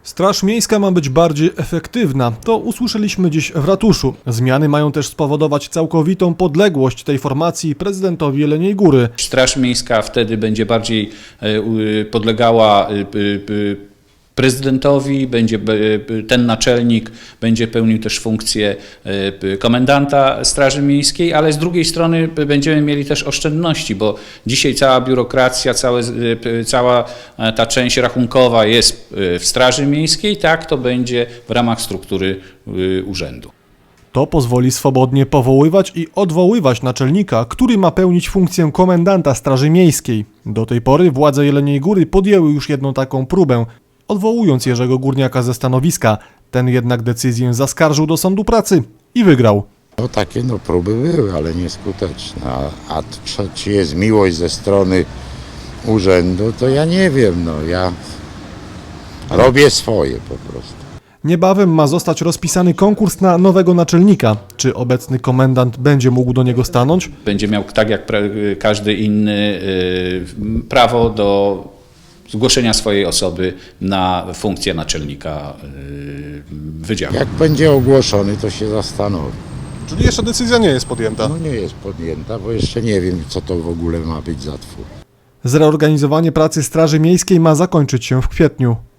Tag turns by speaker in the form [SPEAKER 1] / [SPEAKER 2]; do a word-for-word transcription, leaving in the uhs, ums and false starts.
[SPEAKER 1] Straż miejska ma być bardziej efektywna, to usłyszeliśmy dziś w ratuszu. Zmiany mają też spowodować całkowitą podległość tej formacji prezydentowi Jeleniej Góry.
[SPEAKER 2] Straż miejska wtedy będzie bardziej podlegała prezydentowi, będzie ten naczelnik będzie pełnił też funkcję komendanta Straży Miejskiej, ale z drugiej strony będziemy mieli też oszczędności, bo dzisiaj cała biurokracja, całe, cała ta część rachunkowa jest w Straży Miejskiej, tak to będzie w ramach struktury urzędu.
[SPEAKER 1] To pozwoli swobodnie powoływać i odwoływać naczelnika, który ma pełnić funkcję komendanta Straży Miejskiej. Do tej pory władze Jeleniej Góry podjęły już jedną taką próbę, odwołując Jerzego Górniaka ze stanowiska. Ten jednak decyzję zaskarżył do sądu pracy i wygrał.
[SPEAKER 3] No takie no próby były, ale nieskuteczne. A, a czy, czy jest miłość ze strony urzędu, to ja nie wiem. No ja robię swoje po prostu.
[SPEAKER 1] Niebawem ma zostać rozpisany konkurs na nowego naczelnika. Czy obecny komendant będzie mógł do niego stanąć?
[SPEAKER 2] Będzie miał, tak jak każdy inny, prawo do zgłoszenia swojej osoby na funkcję naczelnika wydziału.
[SPEAKER 3] Jak będzie ogłoszony, to się zastanowi.
[SPEAKER 4] Czyli jeszcze decyzja nie jest podjęta?
[SPEAKER 3] No nie jest podjęta, bo jeszcze nie wiem, co to w ogóle ma być za twór.
[SPEAKER 1] Zreorganizowanie pracy Straży Miejskiej ma zakończyć się w kwietniu.